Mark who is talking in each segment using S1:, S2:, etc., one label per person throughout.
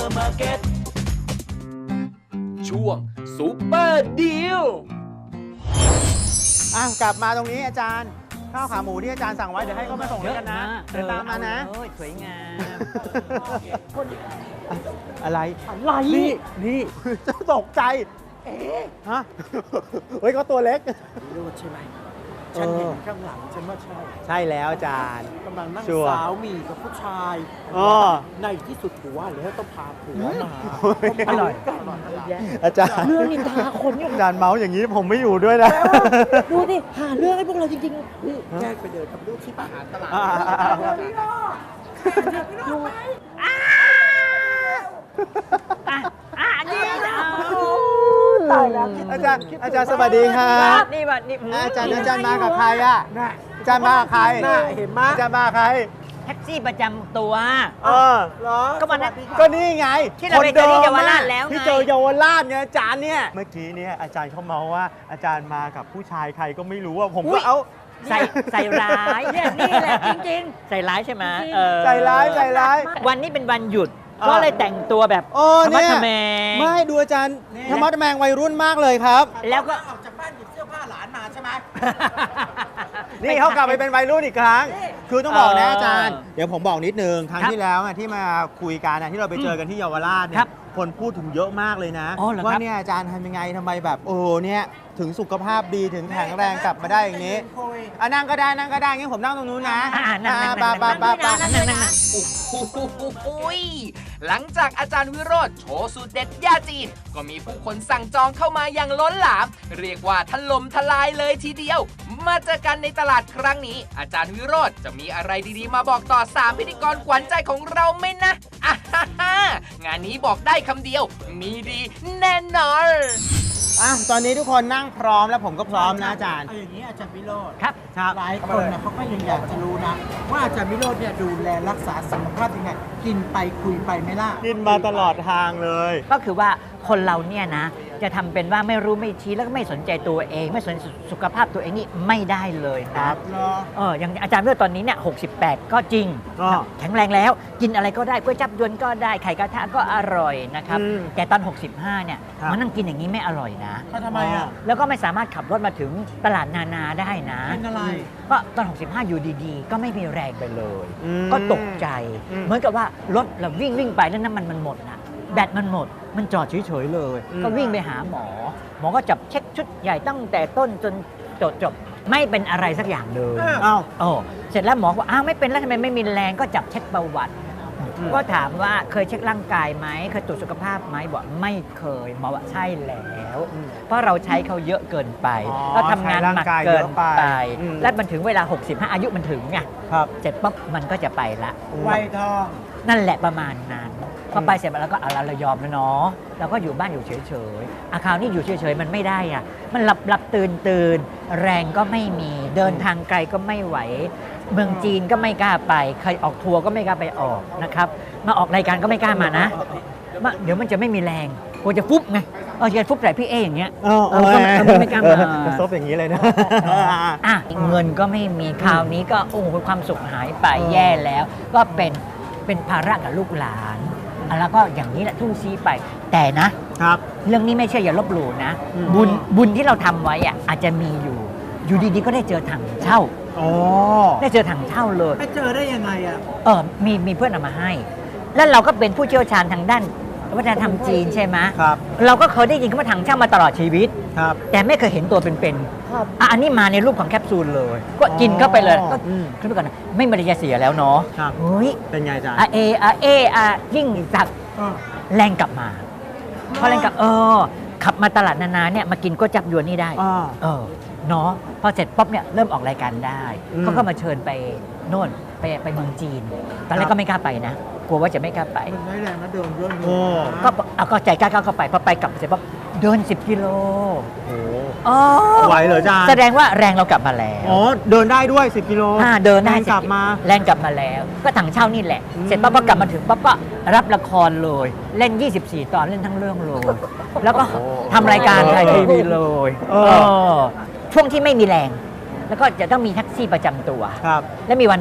S1: ร์มาร์เก็ตช่วงซูเปอร์ดีล
S2: กลับมาตรงนี้อาจารย์ข้าวขาหมูที่อาจารย์สั่งไว้เดี๋ยวให้เขามาส่งแล้วกันนะเดินตามมานะ
S3: สวยงาม
S2: อะไร นี่จะตกใจฮะเฮ้ยเขาตัวเล็ก
S4: รู้ใช่ไหมฉันเห็นข้างหลังฉันว่าใช่
S2: ใช่แล้วอาจารย์
S4: กำลังนั่ง
S2: ชัวร์
S4: สาวหมีกับผู้ชาย ในที่สุดผัวแล้วต้องพาผัวมา
S3: อร่อย
S2: อาจารย์
S3: เรื่องนินทาคนอยู่
S2: อาจารย์เมาส์อย่างนี้ผมไม่อยู่ด้วยนะ
S3: ดูดิหาเรื่องให้พวกเราจริง
S4: แยกไปเดินกับลูกที่อาหารตลาด
S3: นี่นะ
S4: ตายแล้ว
S2: อาจารย์สวัสดีครับ
S3: นี่ว่านี่
S2: อาจารย์มากับใครอ่ะอาจารย์มากับใคร
S4: เห็นไหม
S2: อาจารย์มากับใคร
S3: แท็กซี่ประจำตัว
S4: เหรอ
S3: ก็มานะ
S2: ก็นี่ไง
S3: ที่เราไปเจอที่เยาวราชแล้วไง
S2: ที่เจอเยาวราชไงอาจารย์เนี่ยเมื่อกี้เนี่ยอาจารย์เขาเมาว่าอาจารย์มากับผู้ชายใครก็ไม่รู้ว่าผมก็เอา
S3: ใส่ร้ายเนี่ยนี่แหละจริงๆ ใส่ร้ายใช่ไหม
S2: ใส่ร้าย
S3: วันนี้เป็นวันหยุดก็เลยแต่งตัวแบบ
S2: โอ้
S3: ธรรมะ
S2: เนี่ย
S3: ทแมง
S2: ไม่ดูอาจารย์ธรรมะทแมงวัยรุ่นมากเลยครับ
S3: แล้วก็
S4: ออกจากบ้านหยิบเสื้อผ้าหลานมาใช่ไหม
S2: นี่เขากลับไปเป็นวัยรุ่นอีกครั้ง คือต้องบอกนะอาจารย์
S3: เออ
S2: เดี๋ยวผมบอกนิดนึง ครั้ง
S3: ครับ
S2: ที่แล้วที่มาคุยกันที่เราไปเจอกันที่เยาวราชเนี่
S3: ครั
S2: ย
S3: บ
S2: คนพูดถึงเยอะมากเลยนะ
S3: อ๋อเหรอครับ
S2: ว่าเนี่ยอาจารย์ทำยังไงทำไมแบบเนี่ยถึงสุขภาพดีถึงแข็งแรงกลับมาได้อย่างนี้นั่งก็ได้งั้นผมนั่งตรงนู้นนะ
S3: นั่ง
S1: โอ้โหหลังจากอาจารย์วิโรจน์โชว์สูตรเด็ดยาจีน ก็มีผู้คนสั่งจองเข้ามาอย่างล้นหลาม เรียกว่าถล่มทลายเลยทีเดียว มาเจอกันในตลาดครั้งนี้ อาจารย์วิโรจน์จะมีอะไรดีๆมาบอกต่อ3พิธีกรขวัญใจของเราไหมนะงานนี้บอกได้คำเดียว มีดีแน่นอน
S2: ตอนนี้ทุกคนนั่งพร้อมแล้วผมก็พร้อมนะอาจารย์
S4: เอาอย่างนี้อาจารย์วิโรจน์
S3: ครับ
S4: หลายคนเนี่ยเขาก็ยังอยากจะรู้นะ ว่าอาจารย์วิโรจน์เนี่ยดูแลรักษาสุขภาพยังไง กินไปคุยไปไหม่ล่ะ
S2: กินมาตลอดทางเลย
S3: ก็คือว่าคนเราเนี่ยนะ จะทำเป็นว่าไม่รู้ไม่ชี้แล้วก็ไม่สนใจตัวเอง ไม่สนสุขภาพตัวเองนี่ไม่ได้เลยนะ อย่างอาจารย์เมื่อตอนนี้เนี่ย68 ก็จริง แข็งแรงแล้วกินอะไรก็ได้ก๋วยจับยวนก็ได้ไข่กระทะก็อร่อยนะครับแต่ตอน 65 เนี่ยมานั่งกินอย่างนี้ไม่อร่อยนะ
S4: ทำไมอ่ะ
S3: แล้วก็ไม่สามารถขับรถมาถึงตลาดนานาได้นะ
S4: เป็นอะไร
S3: ก็ตอน 65 อยู่ดีๆ ก็ไม่มีแรงไปเลย ก็ตกใจ เหมือนกับว่ารถเราวิ่งไปแล้วน้ำมันหมดนะแบตมันหมด มันจอดเฉยๆเลย ก็วิ่งไปหาหมอ หมอก็จับเช็คชุดใหญ่ตั้งแต่ต้นจนจบไม่เป็นอะไรสักอย่างเลย เสร็จแล้วหมอบอกไม่เป็นแล้วทำไมไม่มีแรงก็จับเช็คประวัติ ก็ถามว่าเคยเช็คร่างกายไหมเคยตรวจสุขภาพไหมบอกไม่เคยหมอว่าใช่แล้ว เพราะเราใช้เขาเยอะเกินไปเราทำงานหนักเกินไปและมันถึงเวลา 65 อายุมันถึงไงเสร็จปั๊บมันก็จะไปละ
S4: วัยทอง
S3: นั่นแหละประมาณนั้นพอไปเสร็จแล้วก็เอาเรายอมแล้วเนาะเราก็อยู่บ้านอยู่เฉยๆคราวนี้อยู่เฉยๆมันไม่ได้อ่ะมันหลับตื่นแรงก็ไม่มีเดินทางไกลก็ไม่ไหวเมืองจีนก็ไม่กล้าไปใครออกทัวร์ก็ไม่กล้าไปออกนะครับมาออกรายการก็ไม่กล้ามานะเดี๋ยวมันจะไม่มีแรงกลัวจะฟุบไงจะฟุบใส่พี่อย่างเงี้ยก็ไม่กล้ามา
S2: ซบอย่างนี้เลยนะ
S3: เงินก็ไม่มีคราวนี้ก็โอ้โหความสุขหายไปแย่แล้วก็เป็นภาระกับลูกหลานแล้วก็อย่างนี้แหละทุ่งซีไปแต่นะครับ เรื่องนี้ไม่ใช่อย่าลบหลู่นะบุญที่เราทำไว้อ่ะอาจจะมีอยู่ดีๆก็ได้เจอถังเช่าได้เจอถังเช่าเลย
S4: ไปเจอได้ยังไงอ่ะ
S3: มีเพื่อนเอามาให้ แล้วเราก็เป็นผู้เชี่ยวชาญทางด้านวัฒนธรรมจีนใช่ไหม
S2: ครับ
S3: เราก็เคยได้ยินคำว่าถังเช่ามาตลอดชีวิต
S2: ครับ
S3: แต่ไม่เคยเห็นตัวเป็นๆอันนี้มาในรูปของแคปซูลเลย ก็กินเข้าไปเลยก็ขึ้นไปก่อนนะไม่มีอะไรจะเสียแล้วเนาะ
S2: ครับ
S3: เฮ้ย
S2: เป็นไงอาจารย์
S3: ยิ่งสักแรงกลับมาพอแรงกลับขับมาตลาดนาเนี่ยมากินก๋วยจับยวนนี่ได้เนาะพอเสร็จป๊อบเนี่ยเริ่มออกรายการได้เขาก็มาเชิญไปโน่นไปเมืองจีนตอนแรกก็ไม่กล้าไปนะกลัวว่าจะไม่กล้าไป
S4: มันได้แรงนะเดินเรื่องนี้
S3: ก็ใจกล้าเข้าไปพอไปกลับเสร็จป๊อบเดิน10 กิโล
S2: ไหวเหรออาจารย์
S3: แสดงว่าแรงเรากลับมาแล้ว
S2: เดินได้ด้วย10 กิโล
S3: เดินได้
S2: กลับมา
S3: แรงกลับมาแล้ว ก็ถังเช่านี่แหละ เสร็จปั๊บก็กลับมาถึงปั๊บก็รับละครเลย เล่น 24 ตอนเล่นทั้งเรื่องเลย แล้วก็ทำรายการไทยทีวีเลยช่วงที่ไม่มีแรง แล้วก็จะต้องมีแท็กซี่ประจำตัว
S2: ครับ
S3: แล้วมีวันหนึ่ง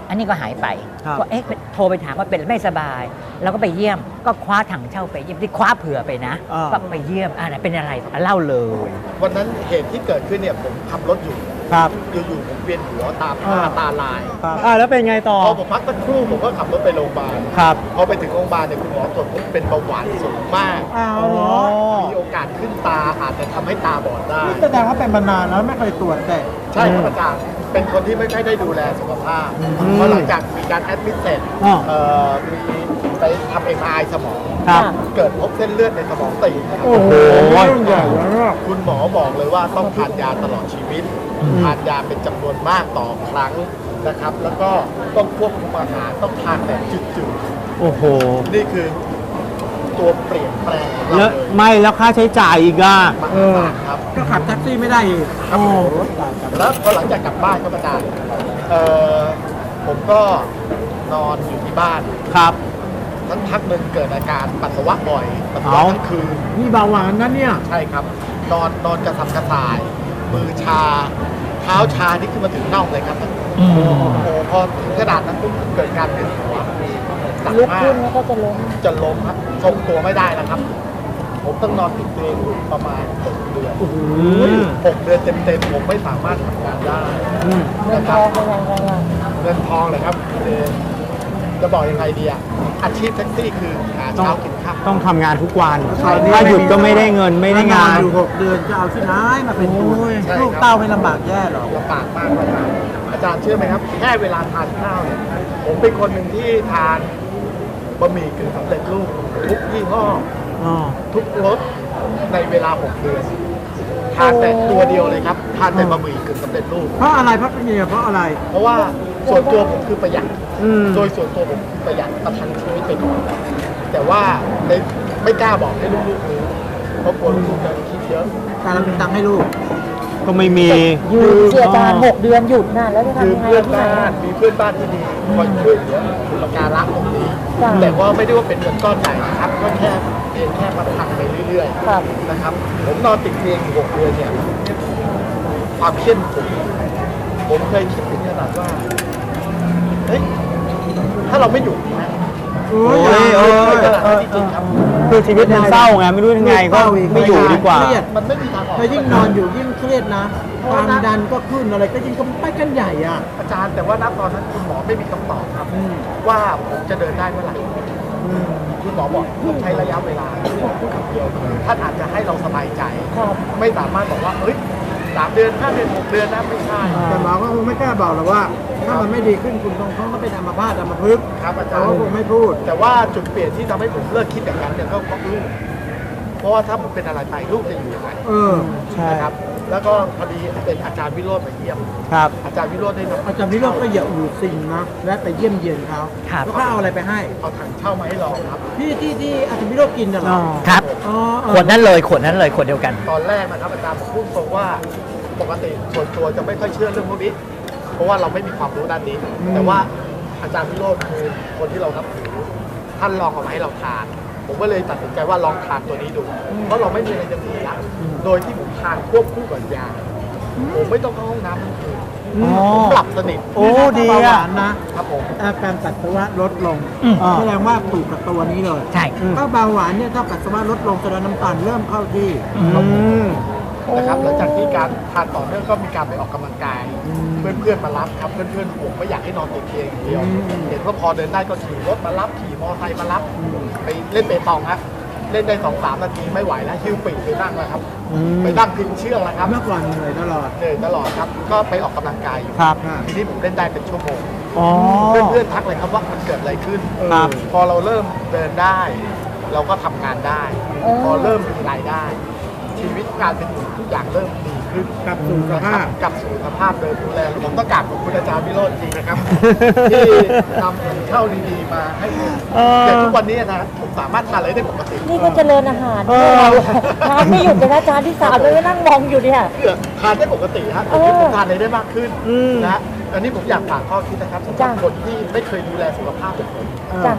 S3: อันนี้ก็หายไป
S2: ครับ
S3: ก็โทรไปถามว่าเป็นไม่สบาย แล้วก็ไปเยี่ยมก็คว้าถังเช่าไปเยี่ยมที่คว้าเผื่อไปนะ ก็ไปเยี่ยมไหนเป็นอะไรเล่าเลย
S5: วันนั้นเหตุที่เกิดขึ้นเนี่ยผมขับรถอยู่
S2: ครับ
S5: อยู่ๆผมเวียนหัวตาผ้าตาลาย
S2: ครับแล้วเป็นไงต่อ
S5: พอผมพักสักครู่ผมก็ขับรถไปโรงพยาบาล
S2: ครับ
S5: พอไปถึงโรงพยาบาลเนี่ยคุณหมอตรวจพบเป็นเบาหวานสูงมาก
S4: อ้าวเหรอ
S5: มีโอกาสขึ้นตาอาจจะทำให้ตาบอดได้
S4: นี่แสดงว่าเป็นมานานแล้วไม่เคยตรวจแต่
S5: ใช่ครับอาจารย์เป็นคนที่ไม่ค่อยได้ดูแลสุขภาพเพราะหลังจากมีการแอดมิดเสร็จ มีไปทำ MRI สมอง
S2: ครับ
S5: เกิดพบเส้นเลือดในสมองตีบนะครับ
S4: โอ้โหเรื่องใหญ่แล้ว
S5: คุณหมอบอกเลยว่าต้องทานยาตลอดชีวิต ทานยาเป็นจำนวนมากต่อครั้งนะครับ แล้วก็ต้องควบคุมอาหารต้องทานแบบจืด
S2: โอ้โห
S5: ๆนี่คือตัวเปลี่ยนแปลงของเรา
S2: แล้ว
S5: เลย
S2: ไม่แล้วค่าใช้จ่ายอีกอ่ะ
S5: มหาศาลครับ
S4: ก็ขับแท็กซี่ไม่ได้อีก
S5: ครับผมแล้วพอหลังจากกลับบ้านก็อาจารย์ผมก็นอนอยู่ที่บ้าน
S2: ครับ
S5: ทั้งพักหนึ่งเกิดอาการปัสสาวะบ่อยปัสสาวะ
S2: เอ้า
S5: ทั้งคืน
S4: นี่เบาหวานนะเนี่ย
S5: ใช่ครับ นอนกระสับกระส่าย มือชา เท้าชาที่ขึ้นมาถึงน่องเลยครับโอ้โหพอถึงขนาดนั้นปุ๊บเกิดการเวียนหัวหนัก
S6: ลุก
S5: มาก
S6: ขึ้นแล้วก็จะล้ม
S5: จะล้มครับทรงตัวไม่ได้แล้วครับ ผมต้องนอนติดเตียงอยู่ประมาณ6 เดือน 6 เดือนเต็มๆผมไม่สามารถทำงานได้
S6: เงิน
S5: นะ
S6: ท
S5: ครั
S6: อบ งเป็นยังไงล่ะ
S5: เงินทองเลยครับจะบอกยังไงดีอะอาชีพแท็กซี่คือหาเช้ากินค่ำ
S2: ต้องทำงานทุกวัน
S4: ตอนนี้
S2: ถ้าหยุดก็ไม่ได้เงินไม่ได้งาน
S4: อยู่ 6 เดือนจะเอาที่ไหนมาเป็นทุน
S5: ใช่ครับ
S4: ลูกเต้าไม่ลำบากแย่หรอก
S5: ลำบากมากอาจารย์เชื่อไหมครับ แค่เวลาทานข้าวเนี่ยผมเป็นคนหนึ่งที่ทานบะหมี่กึ่งสำเร็จรูปทุกยี่ห้อ ทุกรสในเวลา 6 เดือนทานแต่ตัวเดียวเลยครับทานแต่บะหมี่กึ่งสำเร็จรูป
S4: เพราะอะไรเพราะเป็นยังไงเพราะอะไร
S5: เพราะว่าส่วนตัวผมคือประหยัด
S2: อืม
S5: โดยส่วนตัวผมคือประหยัดประทังชีวิตไปก่อนแต่ว่าไม่กล้าบอกให้ลูกๆรู้เพราะกลัวลูกๆจะคิดเยอะ
S4: การเราเป็นตังค์ให้ลูก
S2: ก็ไม่มี
S6: หยุดเสียอาจารย์6 เดือนหยุดน่ะแล้วจะ
S5: คือ
S6: ทำยังไง
S5: เพื่อน
S6: ที่ไหน
S5: บ้านมีเพื่อนบ้านที่ดีคอยช่วยเหลืออุปการะตรงนี้
S6: จ้ะ
S5: แต่ว่าไม่ได้ว่าเป็นเงินก้อนใหญ่นะครับก็แค่เพียงแค่ประทังไปเรื่อย
S6: ครับ
S5: ๆนะครับ ผมนอนติดเตียงอยู่6 เดือนเนี่ยความเครียดผมเคยคิดถึงขนาดว่าเฮ้ยถ้าเราไม่อยู่นะ
S4: โอ้
S2: โอ้ยโอ้ย
S5: ขนาดนั้นจริงๆครับ
S2: คือชีวิตมันเศร้าไงไม่รู้ยังไงก็ไม่อยู่ดีกว่า
S4: เครียด
S5: มันไม่มีทางออก
S4: ถ้ายิ่งนอนอยู่ยิ่งเครียดนะความดันก็ขึ้นอะไรก็ยิ่งก็ไปกันใหญ่อ่ะ
S5: อาจารย์แต่ว่าณตอนนั้นคุณหมอไม่มีคำตอบครับ ว่าผมจะเดินได้เมื่อไหร่คุณหมอบอกต้องใช้ระยะเวลาคุณหมอพูดคำเดียวคือท่านอาจจะให้เราสบายใจ
S6: ครับ
S5: ไม่สามารถบอกว่าเฮ้ย3 เดือน5 เดือน6 เดือนนะไม่ใช่
S4: แต่หมอก็คงไม่กล้าบอกหรอกว่า ถ้ามันไม่ดีขึ้นคุณคงต้องเป็นอัมพาตอัมพฤกษ์
S5: ครับอาจา
S4: เขา
S5: รย์
S4: คงไม่พูด
S5: แต่ว่าจุดเปลี่ยนที่ทำให้ผมเลิกคิดอย่างนั้นเนี่ยก็เพราะลูกเพราะว่าถ้าผมเป็นอะไรไปลูกจะอยู่ยังไง
S4: เออ
S2: ใช่
S5: นะครับ แล้วก็พอดีเป็นอาจารย์วิโรจน์มาเยี่ยม
S2: ครับ
S5: อาจารย์วิโรจน์ได้นำ
S4: อาจารย์วิโรจน์ก็อย่าอู่สิ่งนะและไปเยี่ยมเยียนเขา
S3: ครับ
S4: แล้วเขาเอาอะไรไปให้
S5: เอาถังเช่ามาให้ลองครับ
S4: ที่อาจารย์วิโรจน์กินน่ะเหรอ
S3: ครับ
S4: อ๋อ
S3: ขวดนั้นเลยขวดนั้นเลยขวดเดียวกัน
S5: ตอนแรกนะครับอาจารย์ผมพูดตรงว่าปกติส่วนตัวจะไม่ค่อยเชื่อเรื่องพวกนี้ เพราะว่าเราไม่มีความรู้ด้านนี้ แต่ว่าอาจารย์วิโรจน์คือคนที่เรานับถือท่านลองเอามาให้เราทาน ผมก็เลยตัดสินใจว่าลองทานตัวนี้ดู เพราะเราไม่มีอะไรจะเสียโดยที่ผมทานควบคู่กับยาผมไม่ต้องเข้าห้องน้ำทั้งคืน
S2: อ๋อ
S5: ผมหลับสนิท
S2: โอ้ดี
S4: เบาห
S2: อ่ะ
S4: วานนะครับ
S5: ผม
S4: อาการปัสสาวะลดลง
S2: อ่า
S4: แสดงว่าถูกกับตัวนี้เลย
S3: ใช่
S4: ถ้าเบาหวานเนี่ยถ้าปัสสาวะลดลงแสดงน้ำตาลเริ่มเข้าที่
S5: นะครับหลังจากที่การทานต่อเนื่องก็มีการไปออกกำลังกาย เพื่อนๆมารับครับเพื่อนๆผมไม่อยากให้นอนติดเตียงอย่างเดียว เห็นว่าพอเดินได้ก็ขี่รถมารับขี่มอเตอร์ไซค์มารับไปเล่นเปตองครับเล่นได้2-3 นาทีไม่ไหวแล้วหิ้วปีกไปนั่งแล้วครับไปนั่งพิงเชือกแล้วครับ
S4: เมื่อก่อนเหนื่อยตลอด
S5: เหนื่อยตลอดครับก็ไปออกกำลังกายอยู่
S2: ครับ
S5: ทีนี้ผมเล่นได้เป็นชั่วโมง
S2: อ๋อ
S5: เพื่อนๆทักเลยครับว่ามันเกิดอะไรขึ้น
S2: ครับ
S5: พอเราเริ่มเดินได้ เราก็ทำงานได้ พอเริ่มมีรายได้ ชีวิตการเป็นอยู่ทุกอย่างเริ่มดีขึ้น
S4: กลับสู่สภาพ
S5: กลับสู่สภาพเดิมดูแลผมต้องกราบขอบคุณอาจารย์วิโรจน์จริงนะครับ ที่นำเข้าดีๆมาให้ผม
S2: เออ
S5: อย่างทุกวันนี้นะผมสามารถทานอะไรได้ปกติ
S6: นี่ก็เจริญอาหารด้วยทานไม่หยุดเลยนะอาจารย์ที่3เลยนั่งมองอยู่เนี่ย
S5: เพื่อทานได้ปกติฮะ
S6: เออ
S5: ผมทานอะไรได้มากขึ้น
S2: อืม
S5: นะอันนี้ผมอยากฝากข้อคิดนะครับสำหรับ
S6: จ้ะ
S5: คนที่ไม่เคยดูแลสุขภาพแบบผม
S6: จ้ะ
S5: ข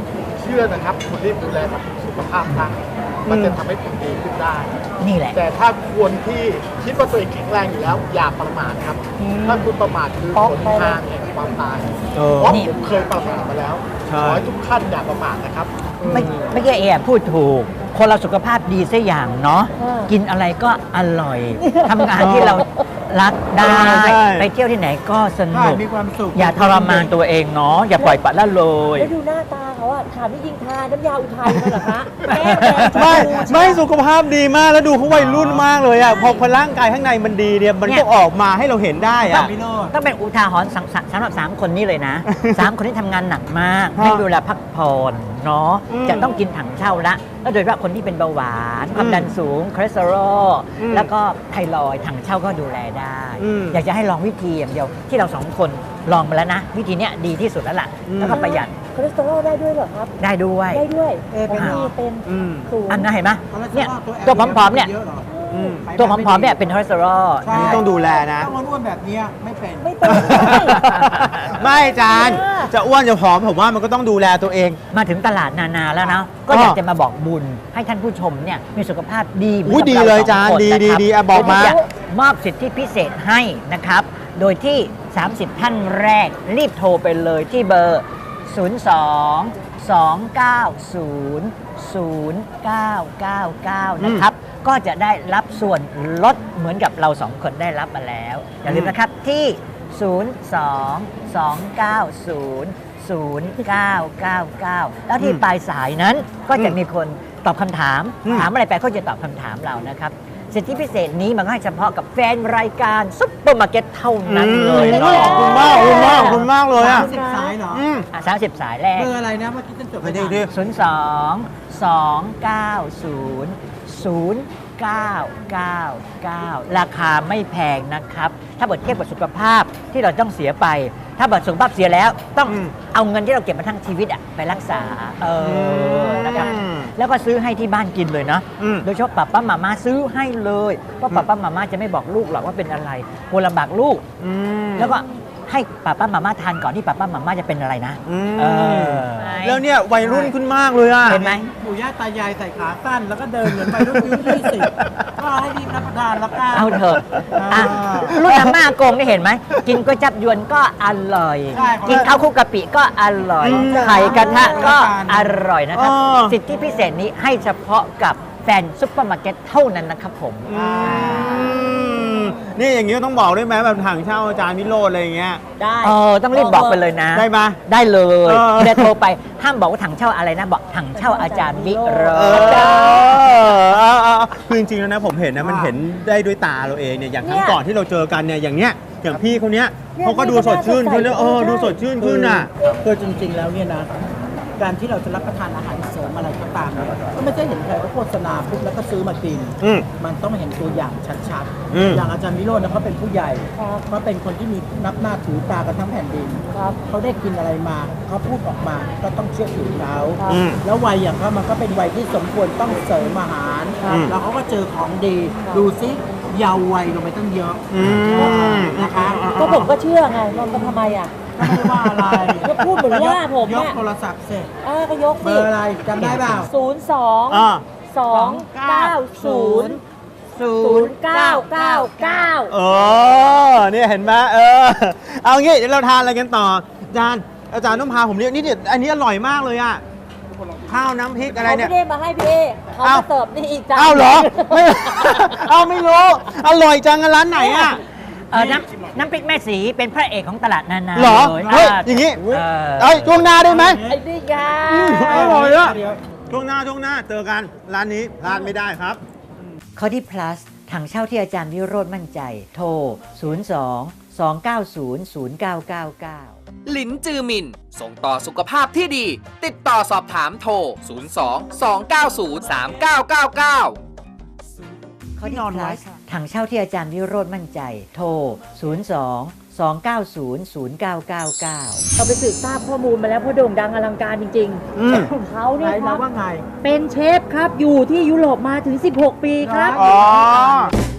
S5: เชื่อนะครับคนที่ดูแลสุขภาพนะมันจะทำให้คุณดีขึ้นได้
S3: นี่แหละ
S5: แต่ถ้าคนที่คิดว่าตัวเองแข็งแรงอยู่แล้วอย่าประมาทครับ ถ้าคุณประมาทคือผลทางแห่งความตาย
S2: เออ
S5: เพราะผมเคยประมาทมาแล้ว
S2: ใช่
S5: ขอให้ทุกท่านอย่าประมาทนะครับ
S3: ไม่ใช่พูดถูก คนเราสุขภาพดีสักอย่างเนาะ กินอะไรก็อร่อย ทำงานที่เรารักได้
S2: ใช่
S3: ไปเที่ยวที่ไหนก็ส
S4: ใช่
S3: นุก
S4: มีความสุข
S3: อย่าทรมานตัวเองเนาะ อย่าปล่อยปละละเลย
S6: แล้วดูหน้าตาเขาอะถามที่จริงทานน้ำยาอุทัยมาเหรอคะแก้มแดง
S2: ไม่
S6: ชมพู
S2: ไม่สุขภาพดีมากแล้วดูเขาวัยรุ่นมากเลยอ่ะพอร่างกายข้างในมันดีเนี่ยมัน
S3: เนี่
S2: ก็
S3: ย
S2: ออกมาให้เราเห็นได้อ่ะ
S4: พี่โรจน์
S3: ต้องเป็นอุทาหรณ์สำหรับ 3 คนนี้เลยนะ 3 คนที่ทำงานหนักมาก
S2: ฮะ
S3: ไม่มีเวลาพักผ่อนเนาะ
S2: อืม
S3: จะต้องกินถังเช่าละ แล้วโดยเฉพาะคนที่เป็นเบาหวานความดันสูงคอเลสเตอรอล
S2: อืม
S3: แล้วก็ไทรอยด์ถังเช่าก็ดูแลได้
S2: อืม
S3: อยากจะให้ลองวิธีอย่างเดียวที่เรา2 คนลองมาแล้วนะ วิธีเนี้ยดีที่สุดแล้วล่ะ
S2: อืม
S3: แล้วก็ประหยัด
S6: คอเลสเตอรอลได้ด้วยเหรอครับ
S3: ได้ด้วย
S6: ได้ด้วย
S4: เป็นเหรอ
S6: เป็น
S2: อืม
S6: สูง
S3: อันนั้นเห็นไหม
S4: คอเลสเตอ
S3: เนี่ย
S4: รอล
S3: ตัวผอมๆเนี่ย
S4: เยอะหรอ
S2: อืม
S3: ตัวผอมๆเนี่ยเป็นคอเลสเตอรอล
S4: ใช่
S2: นี่ต้องดูแลนะ
S4: ต้องอ้วนๆแบบเนี้ยไม่เป็น
S6: ไม่เป็น
S2: ไม่อาจารย์ จะอ้วนจะผอมผมว่ามันก็ต้องดูแลตัวเอง
S3: มาถึงตลาดนานาแล้วนะ ก็อยากจะมาบอกบุญให้ท่านผู้ชมเนี่ยมีสุขภาพดีหมืน
S2: อุ๊ย
S3: กับ
S2: ดี
S3: ร
S2: เลย
S3: สอง
S2: จาน
S3: คน
S2: ดี
S3: นะครับ
S2: ดีอ่ะบอกมา
S3: โดยที่จะมอบสิทธิพิเศษให้นะครับ โดยที่ 30 ท่านแรกรีบโทรไปเลยที่เบอร์ 02-290-0999 นะครับ ก็จะได้รับส่วนลดเหมือนกับเรา 2 คนได้รับมาแล้ว อย่าลืมนะครับที่ 02-290-0999 แล้วที่ปลายสายนั้นก็จะมีคนตอบคำถาม ถามอะไรไปเขาจะตอบคำถามเรานะครับ สิทธิพิเศษนี้มันก็ให้เฉพาะกับแฟนรายการซุปเปอร์มาร์เก็ตเท่านั้นเลย
S2: ข
S3: เนาะ
S2: อบคุณมากขอบคุณมากขอบคุณมากเลยอ่ะ
S4: 30 สายเหรอ
S2: อืม
S3: 30 สายแรก
S4: เบอร์อะไรนะเมื่อกี้ฉันจด
S2: ไป
S4: ไม่
S2: ดิ
S4: ทัน
S2: ดิ
S3: 02-290-0999 ราคาไม่แพงนะครับ ถ้าเกิดเทียบกับสุขภาพที่เราต้องเสียไป ถ้าเกิดสุขภาพเสียแล้วต้องเอาเงินที่เราเก็บมาทั้งชีวิตอะไปรักษานะครับ แล้วก็ซื้อให้ที่บ้านกินเลยนะ
S2: อืม
S3: โดยเฉพาะป้าป้ามาม่าซื้อให้เลยเพราะป้าป้ามาม่าจะไม่บอกลูกหรอกว่าเป็นอะไรกลัวลำบากลูก
S2: อืม
S3: แล้วก็ให้ป้าป้ามาม่าทานก่อนที่ป้าป้ามาม่าจะเป็นอะไรนะ
S2: อืม
S3: เออ
S2: แล้วเนี่ยวัยรุ่นขึ้นมากเลยอ่ะ
S3: เห็นไหม
S4: ปู่ย่าตายายใส่ขาสั้นแล้วก็เดินเหมือนวัยรุ่นอายุ20ก็ให้รีบรับประทานแล้วกัน
S3: เอาเถอะอ่ะรุ่นอาม่าโกงได้เห็นไหม กินก๋วยจับยวนก็อร่อย
S4: ใช่
S3: กินข้าวคลุกกะปิก็อร่อย ไข่กระทะก็อร่อยนะครับ
S2: อ๋อ
S3: สิทธิพิเศษนี้ให้เฉพาะกับแฟนซุปเปอร์มาร์เก็ตเท่านั้นนะครับผม
S2: นี่อย่างนี้ต้องบอกด้วยไหมแบบถังเช่าอาจารย์วิโรจน์อะไรอย่างเงี้ย
S6: ได้
S3: ต้องรีบบอกไปเลยนะ
S2: ได้ปะ
S3: ได้เลย
S2: เออ
S3: เดี๋ยวโทรไป ห้ามบอกว่าถังเช่าอะไรนะ บอกถังเช่าอาจารย์วิโร
S2: เอ
S3: จน์
S2: อคือจริงๆแล้วนะผมเห็นนะมันเห็นได้ด้วยตาเราเองเนี่ยอย่างครั้งก่อนที่เราเจอกันเนี่ยอย่างเนี้ยอย่างพี่เขาเนี้ยเขาก็ดูสดชื่นขึ้นแล้วดูสดชื่นขึ้นอ่ะ
S4: คือจริงๆแล้วเนี่ยนะ การที่เราจะรับประทานอาหารเสริมอะไรก็ตามเนี่ยก็ไม่ใช่เห็นใครก็โฆษณาปุ๊บแล้วก็ซื้อมากิน
S2: อืม
S4: มันต้องเห็นตัวอย่างชัด
S2: อืม
S4: ๆ อย่างอาจารย์วิโรจน์นะเขาเป็นผู้ใหญ่เขาเป็นคนที่มีนับหน้าถือตากันทั้งแผ่นดิน
S6: ครับ
S4: เขาได้กินอะไรมาเขาพูดออกมาก็ต้องเชื่อถือเขา
S2: อืม
S4: แล้ววัยอย่างเขามันก็เป็นวัยที่สมควรต้องเสริมอาหาร
S2: อืม
S4: แล้วเขาก็เจอของดี ดูซิเยาว์วัยลงไปตั้งเยอะ
S2: อืม
S4: นะคะ
S6: ก็ผมก็เชื่อไงมันทำไมอ่ะ
S4: ก็ไม่ได้ว่าอะไร
S6: ก็พูดเหมือนว่าผม
S4: ยก
S6: อะ
S4: โทรศัพท์เสร็จ
S6: ก็ยก
S4: เบ
S6: สิ
S4: อร์อะไรจำได้เปล่า
S2: อ่า
S6: 02-290-0999
S2: เออเนี่ยเห็นไหมเอางี้เดี๋ยวเราทานอะไรกันต่ออาจารย์ต้องพาผมเรียกนี่เดี๋ยวอันนี้อร่อยมากเลยอ่ะข้าวน้ำพริกอะไร
S6: เขา
S2: เนี่ย
S6: ไม่ได้มาให้พี่เอเขา
S2: อ้าว
S6: มาเสิร์ฟนี่อีกจ้า
S2: อ้าวเหรอไม่ เอาไม่รู้อร่อยจังอะร้านไหนอ่ะ
S3: น้ำพริกแม่สีเป็นพระเอกของตลาดนานา
S2: เหรอ
S3: เลย
S2: เฮ้ยอย่างงี้
S3: เออ
S2: เอ้ยช่วงหน้าได้ไหม
S6: ไอ้นี่ไง
S2: อร่อยอะ
S4: เดี๋ยว
S2: ช่วงหน้าเจอกันร้านนี้พลาดไม่ได้ครับ
S3: ข้อที่ plus ถังเช่าที่อาจารย์วิโรจน์มั่นใจ โทร 02-290-0999
S1: หลินจือมิน ส่งต่อสุขภาพที่ดี ติดต่อสอบถามโทร 02-290-3999
S3: ข้อที่ plus ถังเช่าที่อาจารย์วิโรจน์มั่นใจ โทร 02-290-0999
S6: เราไปสืบทราบข้อมูลมาแล้วเพราะโด่งดังอลังการจริง
S2: อืม
S6: ๆเขา
S4: ไหน
S6: เนี่ยค
S4: เรา
S6: รับ
S4: ว่าไง
S6: เป็นเชฟครับ อยู่ที่ยุโรปมาถึง 16 ปีครับ
S2: อ๋อ